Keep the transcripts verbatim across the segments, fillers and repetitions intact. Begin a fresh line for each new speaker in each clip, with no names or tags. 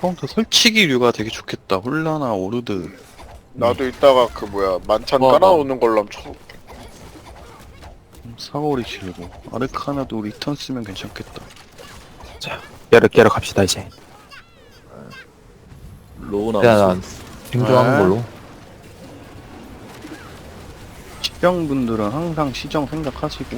카운터 설치기류가 되게 좋겠다. 홀라나 오르드.
나도 이따가 그 뭐야 만찬
와,
깔아오는 걸로 한번 쳐볼게.
사거리 길고. 아르카나도 리턴 쓰면 괜찮겠다.
자, 깨러 깨러 갑시다 이제.
로우
일단
나무수.
생존하는
네.
걸로.
시정분들은 항상 시정 생각하시고.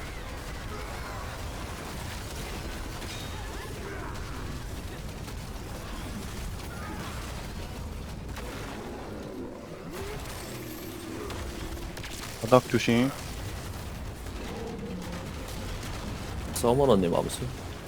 바닥 조심.
서머너님 암수.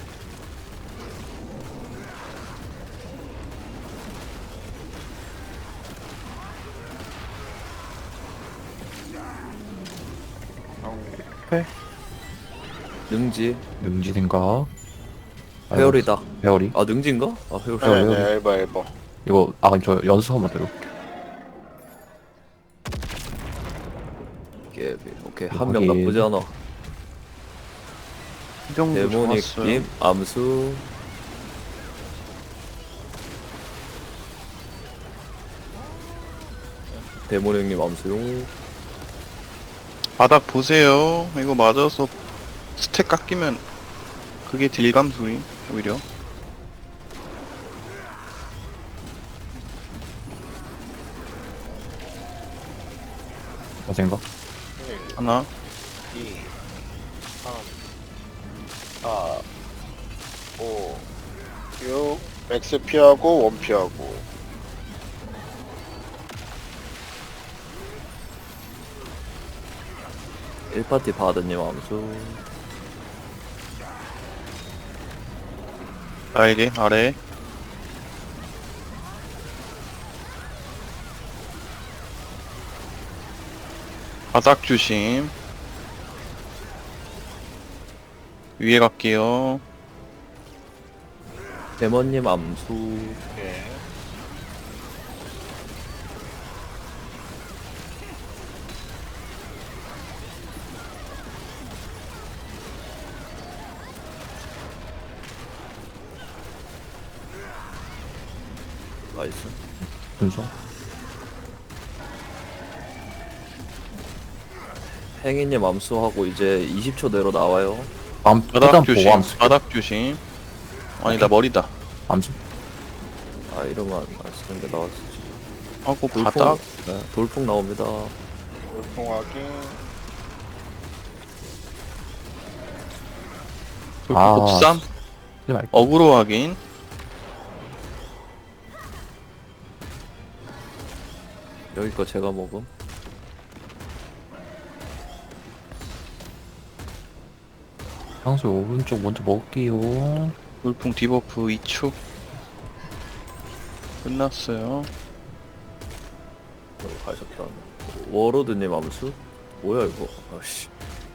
능지.
능지 생각.
회오리다.
회오리.
아 능지인가? 아 회오리.
네.
네네 엘바 엘바.
이거 아 저 연습 한번 들어.
오케이 오케이 한 명
확인.
나쁘지 않아.
시정도 좋았어요.
데모닉님 암수. 데모닉님 암수용.
바닥 보세요. 이거 맞아서 스택 깎이면 그게 딜감 소리 오히려.
뭐 생각?
하나.
이, 삼, 사, 오, 육, X 피하고 원 피하고.
일 파티 바드님 암수.
날개 아래. 바닥 조심. 위에 갈게요.
데모님 암수.
예.
나이스.
순서.
행이님 암수하고 이제 이십 초 내로 나와요.
암
바닥
일단
조심.
보고 암수.
바닥 조심. 아니다 머리다.
암수.
아 이러면 안 쓰는 게 나왔지.
하고
돌풍,
바닥.
네, 돌풍 나옵니다.
돌풍하기.
아,
곱삼.
하지 말고.
어그로 확인.
여기 거 제가 먹음.
향수 오른쪽 먼저 먹을게요.
돌풍 디버프 이 초. 끝났어요.
여기 가셨다. 워로드님 암수? 뭐야 이거? 아씨.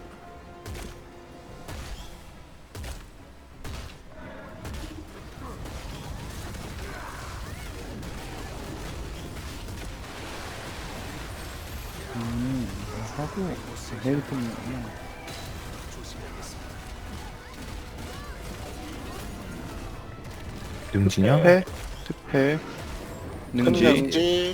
음, 하고 헤일품
능지냐?
특패 특패
큰
능지
능지.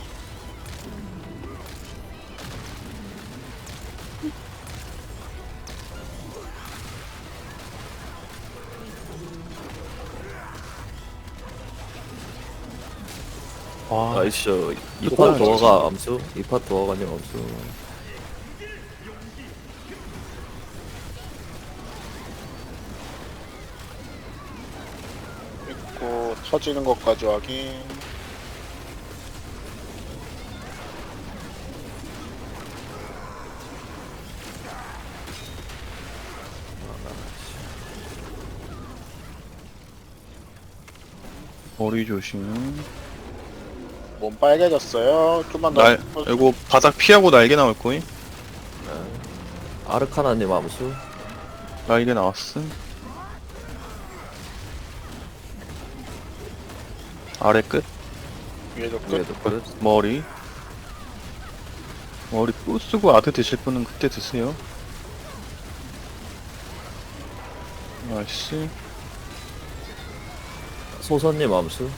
와
나이스. 이파
똑같네,
도어가 암수? 이파 도어가님 암수.
있고 터지는 것까지 확인.
머리 조심.
몸 빨개졌어요. 좀만 더.
날 이거 바닥 피하고 날개 나올 거임.
아르카나님 암수.
날개 나왔음. 아래 끝
위에도 끝.
위에도 끝.
머리 머리 또 쓰고 아드 드실 분은 그때 드세요. 나이스.
소선님 암수.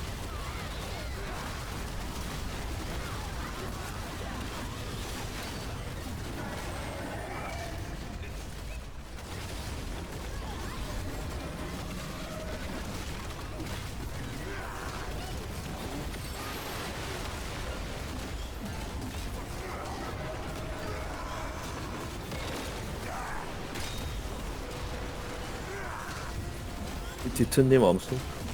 디트님 암수.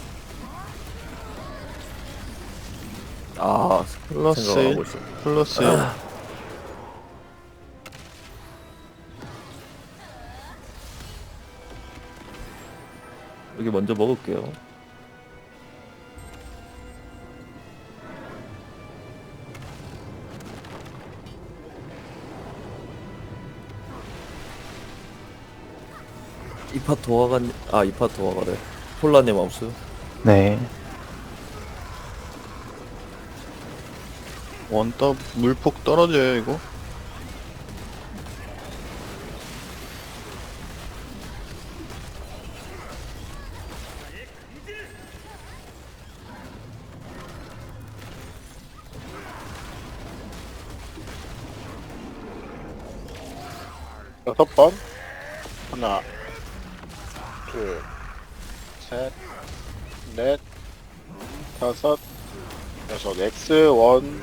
아,
플러스
생각하고
일,
있어.
플러스 일.
여기 먼저 먹을게요. 이파 도화관, 아, 이파 도화가래. 폴라님 암수.
네.
원더 물폭 떨어져요 이거.
여섯 번. 하나, 둘, 셋, 넷, 다섯, 여섯. 엑스 원.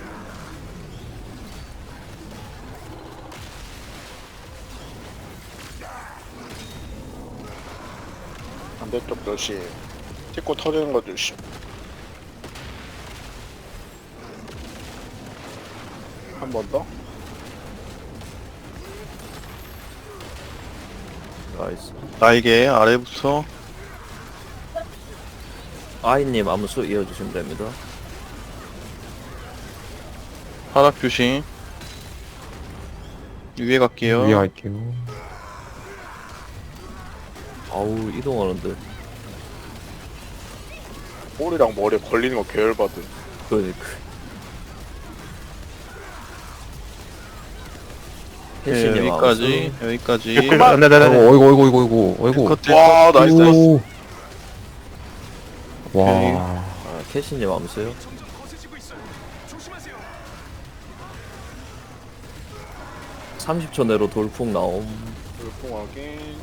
반대쪽 조심. 찍고 터지는 거 조심. 한 번 더.
나이스.
날개 아래부터.
아이님 암수 이어주시면 됩니다.
바닥 조심. 위에 갈게요.
위에 갈게요.
아우, 이동하는데.
볼이랑 머리에 걸리는 거 계열받은.
그러니까.
네,
혜신님
여기까지
암수.
여기까지.
그만!
네네네. 어이구, 어이구, 어이구, 어이구, 어이구.
컷
와, 나이스, 나이스.
오. 와.
아, 캐시님 암수요. 삼십 초 내로 돌풍 나옴.
물풍 확인.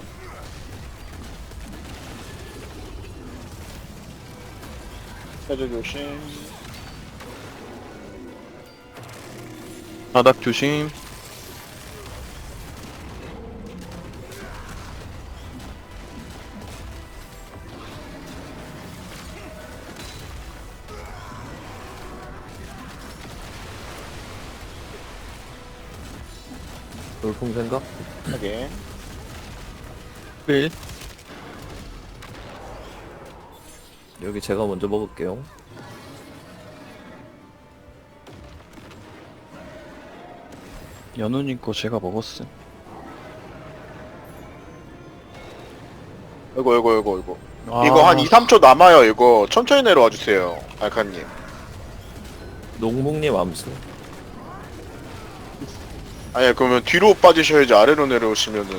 해저 조심.
바닥 조심.
돌풍 생각?
확인.
일.
여기 제가 먼저 먹을게요.
연우님 거 제가 먹었음.
이거 이거 이거 이거.
아,
이거 한 이, 삼 초 남아요. 이거 천천히 내려와 주세요. 알카님.
농묵님 암수.
아니 그러면 뒤로 빠지셔야지 아래로 내려오시면은.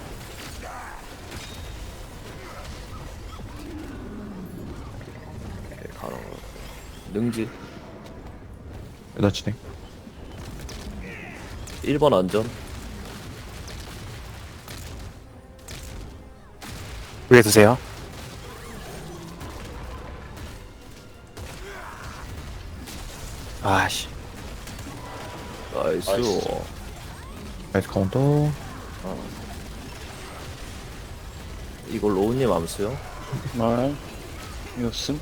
네, 가능. 능지.
여자 진행.
일 번 안전.
위에 드세요. 아씨.
나이스.
나이스.
나이스 카운터.
이거 로우님 암수요.
말. 이었음.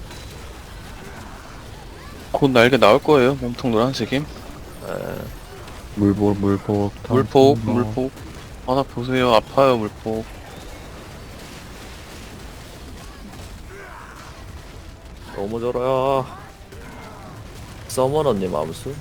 곧 날개 나올 거예요. 몸통 노란색임.
네.
물복, 물복.
물폭,
뭐.
물폭. 바닥 보세요. 아파요, 물폭.
넘어져라. 서머너님 암수.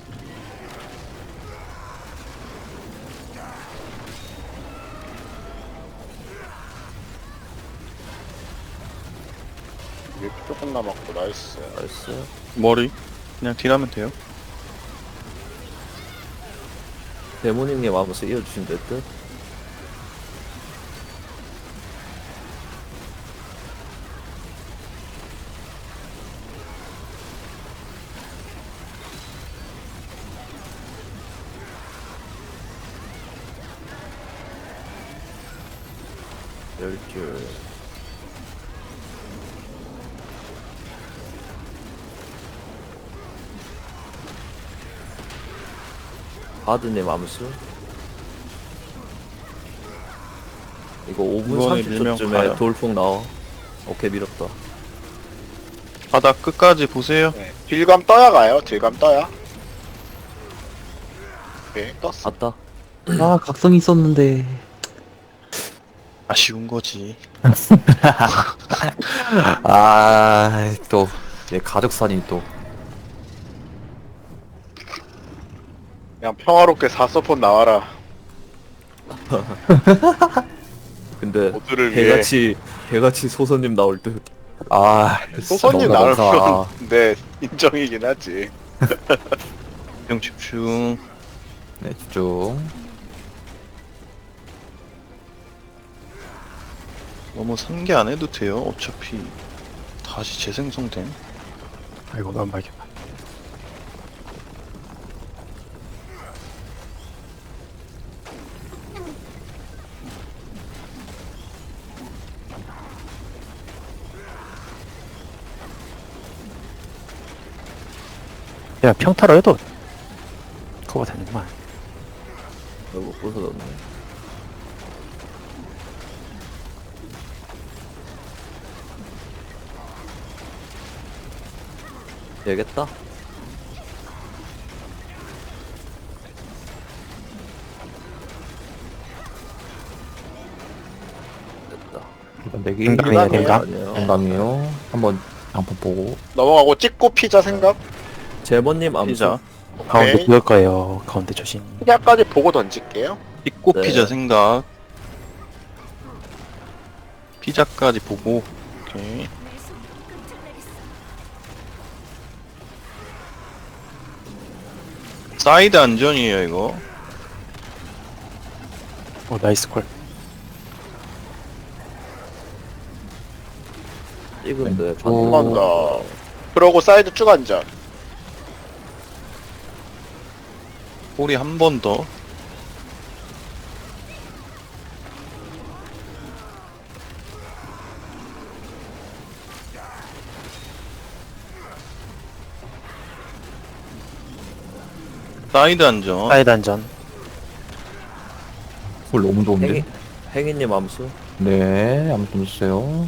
이게 조금 남았고 나이스.
나이스.
머리. 그냥 딜하면 돼요.
대모님님 암수 이어주시면 될 듯. 열 줄. 바드님 암수. 이거 오 분
이번에 밀면
삼십 초쯤에
가요.
돌풍 나와. 오케이, 밀었다.
바닥 끝까지 보세요.
네. 딜감 떠야 가요. 딜감 떠야. 오케이 떴어.
갔다.
아, 각성 있었는데.
아쉬운 거지.
아, 또, 얘 가족산이 또.
그냥 평화롭게 사서폰 나와라.
근데
모두를 위해.
개같이 개같이 소선님 나올 듯.
아,
소선님
너무나
나오면
감사하.
네 인정이긴 하지.
집중 집중.
네, 집중.
너무 산게 안 해도 돼요. 어차피 다시 재생성됨.
아이고, 난 말겠다. 야, 평타로 해도 커버 되는구만.
너무 부서졌네. 되겠다. 됐다.
이건 내기
댕감이에요,
아니야, 댕감?
아니에요.
댕감이요. 한번 양푼 보고.
넘어가고 찍고 피자 생각.
제모님 암수.
피자.
가운데
오케이.
그을 거예요. 가운데 조심.
피자까지 보고 던질게요.
찍고
네.
피자 생각. 피자까지 보고. 오케이. 사이드 안전이에요 이거.
오, 나이스 콜.
찍은데
오.
반대.
한 번 더. 그러고 사이드 쭉 앉아.
꼬리 한 번 더. 사이드 안전.
사이드 안전. 콜 너무 좋은데?
행이 행이님 암수.
네, 아무튼 주세요.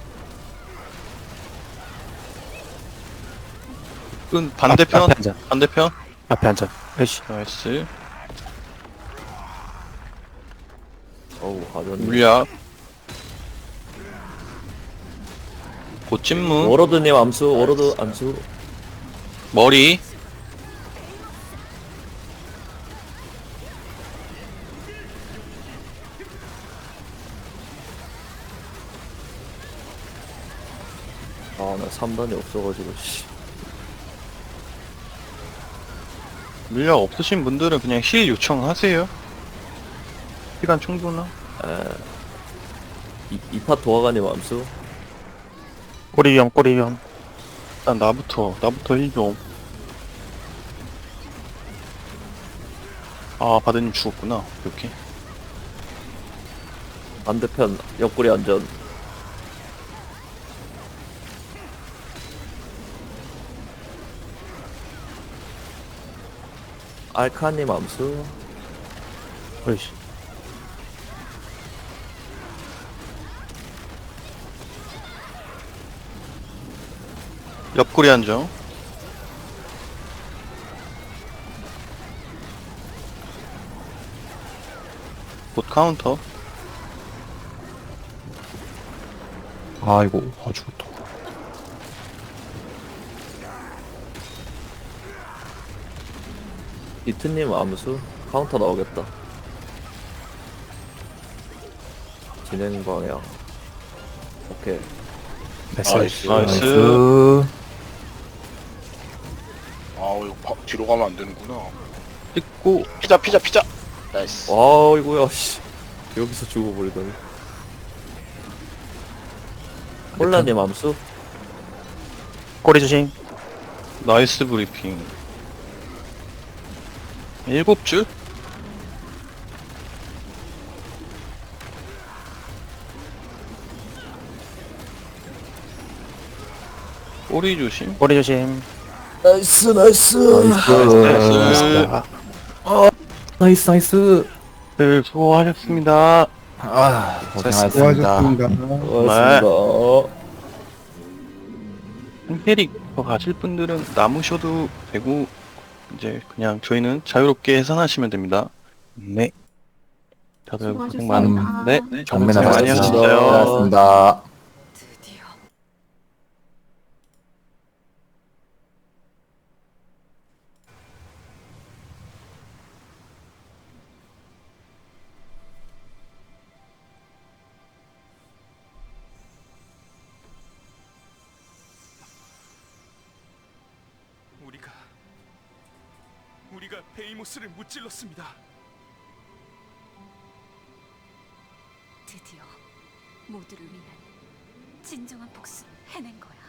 끈 반대편.
앞에 안전.
반대편.
앞에 안전. 회시.
나이스.
어우, 가전.
물약. 고찜문.
워로드님 암수. 워로드 암수.
머리.
아, 나 삼 단이 없어가지고 씨.
물약 없으신 분들은 그냥 힐 요청하세요. 시간 충분하.
이, 이파 도화가님 암수.
꼬리 위험, 꼬리 위험.
일단 나부터 나부터 힐 좀. 아 바드님 죽었구나. 이렇게.
반대편 옆구리 안전. 알카님 암수.
회시.
옆구리 안정. 곧 카운터.
아이고, 아, 죽었다.
이트님 암수. 카운터 나오겠다. 진행 방향. 오케이.
나이스.
나이스.
나이스.
아 이거 바, 뒤로 가면 안 되는구나.
찍고
피자 피자 피자. 나이스.
와, 이거야 씨. 여기서 죽어버리다니. 콜라님 암수.
꼬리 조심.
나이스 브리핑. 일곱 줄? 꼬리 조심.
꼬리 조심.
나이스 나이스 나이스 나이스 나이스
네, 수고하셨습니다.
아 고생하셨습니다
수고하셨습니다.
고맙습니다.
한 캐릭 더 가실 분들은 남으셔도 되고 이제 그냥 저희는 자유롭게 해산하시면 됩니다.
네.
다들 고생
수고하셨습니다.
많은데 네,
정면
고생 많이
하셨습니다
하셨어요.
고생하셨습니다
드디어.
우리가 우리가 베이모스를 무찔렀습니다.
드디어 모두를 위한 진정한 복수를 해낸 거야.